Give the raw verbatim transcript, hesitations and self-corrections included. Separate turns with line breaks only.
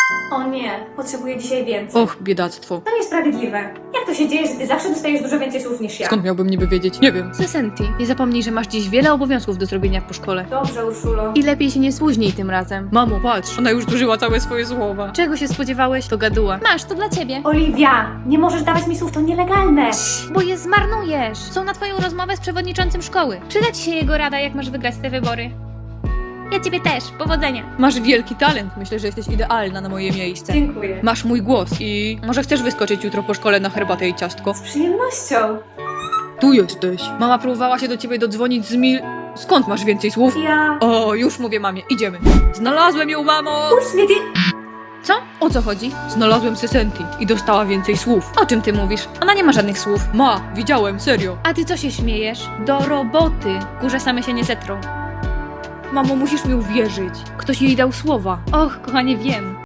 O nie, potrzebuję dzisiaj więcej.
Och, biedactwo.
To niesprawiedliwe. Jak to się dzieje, że ty zawsze dostajesz dużo więcej słów niż ja?
Skąd miałbym niby wiedzieć? Nie wiem. Sesenti, nie zapomnij, że masz dziś wiele obowiązków do zrobienia po szkole.
Dobrze, Urszulo.
I lepiej się nie spóźnij tym razem. Mamo, patrz, ona już zużyła całe swoje słowa. Czego się spodziewałeś? To gaduła. Masz, to dla ciebie.
Oliwia, nie możesz dawać mi słów, to nielegalne.
Bo je zmarnujesz. Są na twoją rozmowę z przewodniczącym szkoły. Przyda ci się jego rada, jak masz wygrać te wybory. Ja ciebie też. Powodzenia. Masz wielki talent. Myślę, że jesteś idealna na moje miejsce.
Dziękuję.
Masz mój głos i może chcesz wyskoczyć jutro po szkole na herbatę i ciastko?
Z przyjemnością.
Tu jesteś. Mama próbowała się do ciebie dodzwonić z mil... Skąd masz więcej słów?
Ja...
O, już mówię mamie, idziemy. Znalazłem ją, mamo!
Puść mnie, ty...
Co? O co chodzi? Znalazłem Sesenti i dostała więcej słów. O czym ty mówisz? Ona nie ma żadnych słów. Ma, widziałem, serio. A ty co się śmiejesz? Do roboty. Kurze same się nie zetrą. Mamo, musisz mi uwierzyć. Ktoś jej dał słowa. Och, kochanie, wiem.